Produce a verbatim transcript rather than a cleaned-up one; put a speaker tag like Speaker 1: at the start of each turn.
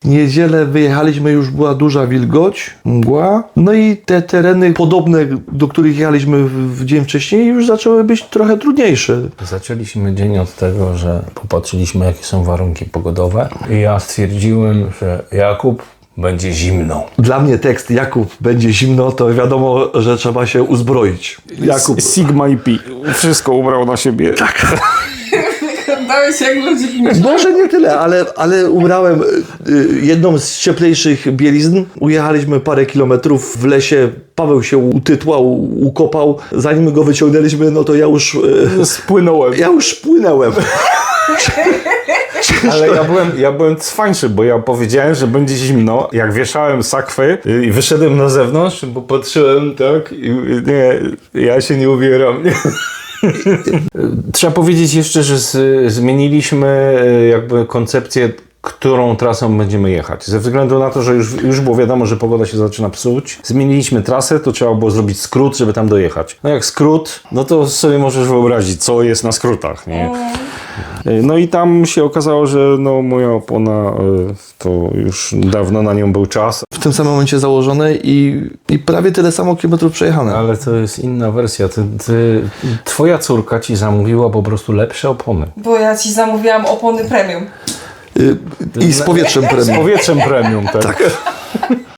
Speaker 1: niedzielę wyjechaliśmy, już była duża wilgoć, mgła. No i te tereny podobne, do których jechaliśmy w, w dzień wcześniej, już zaczęły być trochę trudniejsze.
Speaker 2: Zaczęliśmy dzień od tego, że popatrzyliśmy, jakie są warunki pogodowe i ja stwierdziłem, że Jakub, będzie zimno.
Speaker 1: Dla mnie tekst Jakub będzie zimno, to wiadomo, że trzeba się uzbroić. Jakub.
Speaker 3: Sigma i Pi. Wszystko ubrał na siebie.
Speaker 1: Tak.
Speaker 4: Dałeś jak ludzie w
Speaker 1: Może nie tyle, ale, ale ubrałem y, jedną z cieplejszych bielizn. Ujechaliśmy parę kilometrów w lesie. Paweł się utytłał, ukopał. Zanim go wyciągnęliśmy, no to ja już... Y,
Speaker 3: Spłynąłem.
Speaker 1: ja już płynęłem.
Speaker 3: Ale ja byłem, ja byłem cwańszy, bo ja powiedziałem, że będzie zimno. Jak wieszałem sakwy i wyszedłem na zewnątrz, bo patrzyłem tak i nie, ja się nie ubieram. Nie.
Speaker 2: Trzeba powiedzieć jeszcze, że z, zmieniliśmy jakby koncepcję, którą trasą będziemy jechać. Ze względu na to, że już, już było wiadomo, że pogoda się zaczyna psuć. Zmieniliśmy trasę, to trzeba było zrobić skrót, żeby tam dojechać. No jak skrót, no to sobie możesz wyobrazić, co jest na skrótach, nie?
Speaker 3: No i tam się okazało, że no, moja opona to już dawno na nią był czas.
Speaker 1: W tym samym momencie założone i, i prawie tyle samo kilometrów przejechane.
Speaker 2: Ale to jest inna wersja. Ty, ty, twoja córka ci zamówiła po prostu lepsze opony.
Speaker 4: Bo ja ci zamówiłam opony premium.
Speaker 1: Y, I z powietrzem
Speaker 3: Z
Speaker 1: premium.
Speaker 3: powietrzem premium, tak?
Speaker 1: Tak.